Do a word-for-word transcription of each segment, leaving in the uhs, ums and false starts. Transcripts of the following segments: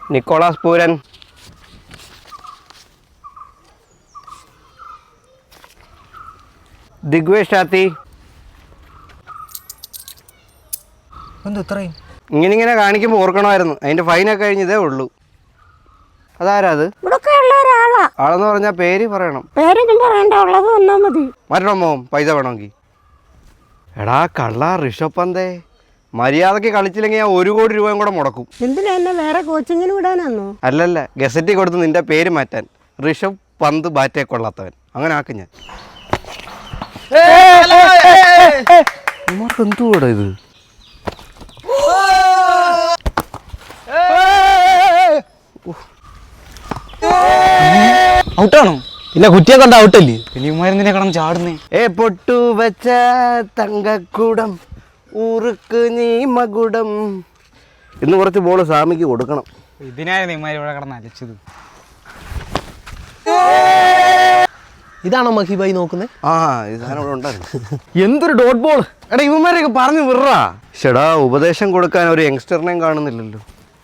Nicholas Pooran. Digvesh ഷാത്തി. എന്താ ഇത്രയും ഇങ്ങനെ ഇങ്ങനെ കാണിക്കുമ്പോൾ ഓർക്കണമായിരുന്നു. അതിന്റെ ഫൈനൊക്കെ കഴിഞ്ഞതേ ഉള്ളൂ. അതാരാ അത്? ആളെന്ന് പറഞ്ഞാൽ പേര് പറയണം. മറ്റോ പൈസ വേണമെങ്കിൽ. എടാ കള്ള ഋഷഭ് പന്തേ, മര്യാദക്ക് കളിച്ചില്ലെങ്കിൽ ഞാൻ ഒരു കോടി രൂപയും കൂടെ മുടക്കും. എന്തിനാ എന്നെ വേറെ കോച്ചിങ്ങിന് വിടാനാന്നോ? അല്ലല്ല, ഗസറ്റിൽ കൊടുത്ത് നിന്റെ പേര് മാറ്റാൻ. ഋഷഭ് പന്ത് ബാറ്റേ കൊള്ളാത്തവൻ, അങ്ങനെ ആക്കും ഞാൻ. എന്തുകൂടാ ഇത്? ഔട്ടാണോ? ഇല്ല, കുറ്റിയെ കണ്ട ഔട്ടല്ലേ? ഇനിമാരെന്തിനെ കടന്ന് ചാടുന്നേ? ഏ പൊട്ടു വെച്ച തങ്കക്കൂടം ഊറുക്ക് നീ മകുടം. ഇന്ന് കുറച്ച് ബോള് സ്വാമിക്ക് കൊടുക്കണം. ഇതിനായിരുന്നു ഇമാര് ഇവിടെ കിടന്ന് അലച്ചത്. ഇതാണോ മഹിബായി നോക്കുന്നത്? ആ ഇതാനും ഇവിടെ ഉണ്ടായിരുന്നു. എന്തൊരു ഡോട്ട് ബോൾ! എടാ ഇവന്മാരൊക്കെ പറഞ്ഞു വിടാ. ചേടാ, ഉപദേശം കൊടുക്കാൻ ഒരു യങ്സ്റ്ററിനെയും കാണുന്നില്ലല്ലോ.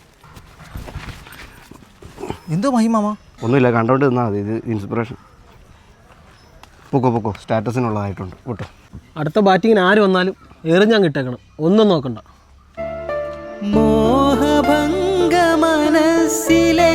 എന്തോ മഹിമാമ? ഒന്നുമില്ല, കണ്ടോണ്ട് നിന്നാൽ മതി. ഇത് ഇൻസ്പിറേഷൻ. പൊക്കോ പൊക്കോ, സ്റ്റാറ്റസിനുള്ളതായിട്ടുണ്ട് കേട്ടോ. അടുത്ത ബാറ്റിങ്ങിന് ആര് വന്നാലും എറിഞ്ഞാൻ കിട്ടേക്കണം, ഒന്നും നോക്കണ്ട. മോഹഭംഗ മനസ്സിലെ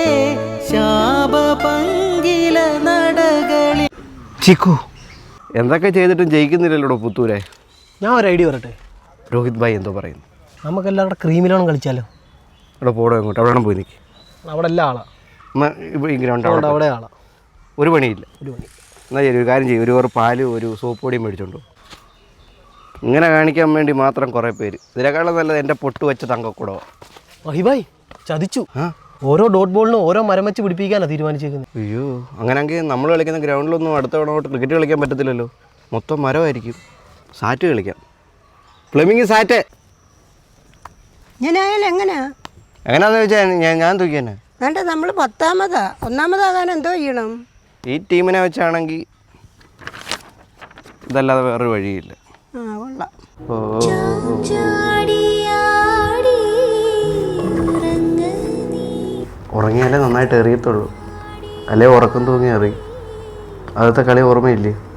ശാപപങ്കില നടകളി. ചിക്കു, എന്തൊക്കെ ചെയ്തിട്ടും ജയിക്കുന്നില്ലല്ലോ പുത്തൂരെ. ഞാൻ ഒരു ഐഡിയ പറയട്ടെ. രോഹിത് ഭായ് എന്തോ പറയുന്നു? നമുക്കെല്ലാം അവിടെ ക്രീമിലോണം കളിച്ചാലോ? ഇവിടെ പോടോ, ഇങ്ങോട്ട് അവിടെ പോയി നിൽക്കി. അവിടെ എല്ലാ ആളാ. ഈ ഗ്രൗണ്ട് അവിടെ അവിടെ ആളാ. ഒരു പണിയില്ല. ഒരു പണി എന്നാൽ ശരി, ഒരു കാര്യം ചെയ്യും. ഒരു കുറേ പാലും ഒരു സോപ്പ് പൊടിയും മേടിച്ചോണ്ടോ. ഇങ്ങനെ കാണിക്കാൻ വേണ്ടി മാത്രം കുറേ പേര്. ഇതിനേക്കാളും നല്ലത് എൻ്റെ പൊട്ട് വെച്ച തങ്കക്കൂടോ. മഹിബായ് ചതിച്ചു. ഓരോ ഡോട്ട് ബോളിനും ഓരോ മരം വെച്ച് പിടിപ്പിക്കാനാണ് തീരുമാനിച്ചേക്കുന്നത്. അയ്യോ, അങ്ങനെയെങ്കിൽ നമ്മൾ കളിക്കുന്ന ഗ്രൗണ്ടിലൊന്നും അടുത്ത തവണ ക്രിക്കറ്റ് കളിക്കാൻ പറ്റത്തില്ലല്ലോ. മൊത്തം മരമായിരിക്കും. സാറ്റ് കളിക്കാം. ഫ്ലെമിങ് സാറ്റ്. ഞാനായാലും എങ്ങനെയാ? എങ്ങനെയാന്ന് വെച്ചാൽ ഞാൻ ഞാൻ തൂക്കിയെന്നെ. വേണ്ട, നമ്മൾ പത്താമതാ. ഒന്നാമതാകാൻ എന്തോ ചെയ്യണം? ഈ ടീമിനെ വെച്ചാണെങ്കിൽ ഇതല്ലാതെ വേറൊരു വഴിയില്ല. ആ കൊള്ളാം. ഓ ഉറങ്ങിയാലേ നന്നായിട്ട് എറിയത്തുള്ളൂ. അല്ലേ ഉറക്കം തൂങ്ങി എറി. അതൊക്കെ കളി ഓർമ്മയില്ലേ?